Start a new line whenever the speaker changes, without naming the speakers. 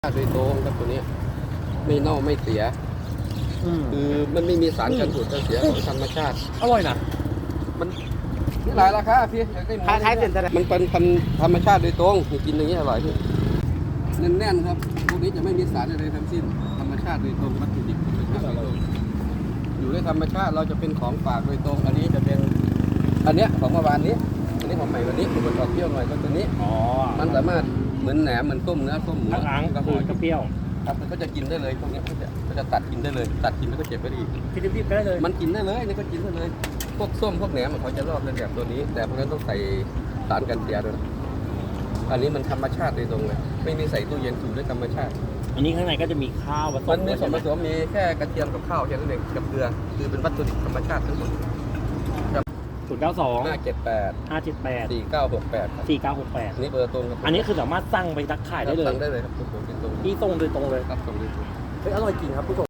โดยตรงครับตัวนี้ไม่เน่าไม่เสียคือมันไม่มีสารกันบูดกันเสียของธรรมชาติ
อร่อยนะ
มันนี่หลายราคาพี่อยากได้หมู
คล้ายๆเส้นแต่
มันเป็นพันธุ์ธรรมชาติโดยตรงกินอย่างนี้อร่อยพี่แน่นๆครับพวกนี้จะไม่มีสารอะไรทั้งสิ้นธรรมชาติโดยตรงวัตถุดิบธรรมชาติโดยตรงอยู่ในธรรมชาติเราจะเป็นของฝากโดยตรงอันนี้จะเป็นอันเนี้ยของเมื่อวานนี้อันนี้ของใหม่วันนี้มันออกเปรี้ยวหน่อยก็ตัวนี้มันสามารถเหมือนแหนมเหมือนต้มเนื้อต้มหมู
ล้างก็คือเปรี้ยว
ครับมันก็จะกินได้เลยพวกนี้ก็จะตัดกินได้เลยตัดกินแล้วก็เก็บไว้ดี
พี่ดิบๆก็ได้เลย
มันกินได้เลยนี่ก็กินได้เลยพวกส้มพวกแหนมเขาจะรอดในแบบตัวนี้ แต่พวกนั้นต้องใส่สารกันเสียด้วยอันนี้มันธรรมชาติโดยตรงเลยไม่มีใส่ตู้เย็นสูตรด้วยธรรมชาติ
อันนี้ข้างในก็จะมีข้าวผส
มั
ม
นมีส่วนผสมมีแค่กระเทียมกับข้าวแค่นั้นเองกับเกลือคือเป็นวัตถุดิบธรรมชาติทั้งหมด
092
578
578
4968
4968
นี่เบอร์ตรงครับ
อันนี้คือสามารถสั่งไปทักขายได้เลย
สั่งได้เลยครับผมเป็นตรง
ที่ตรงโดยตรงเลย
ครับตรงนี้
เฮ้ยอร่อยจริงครับผู้ชม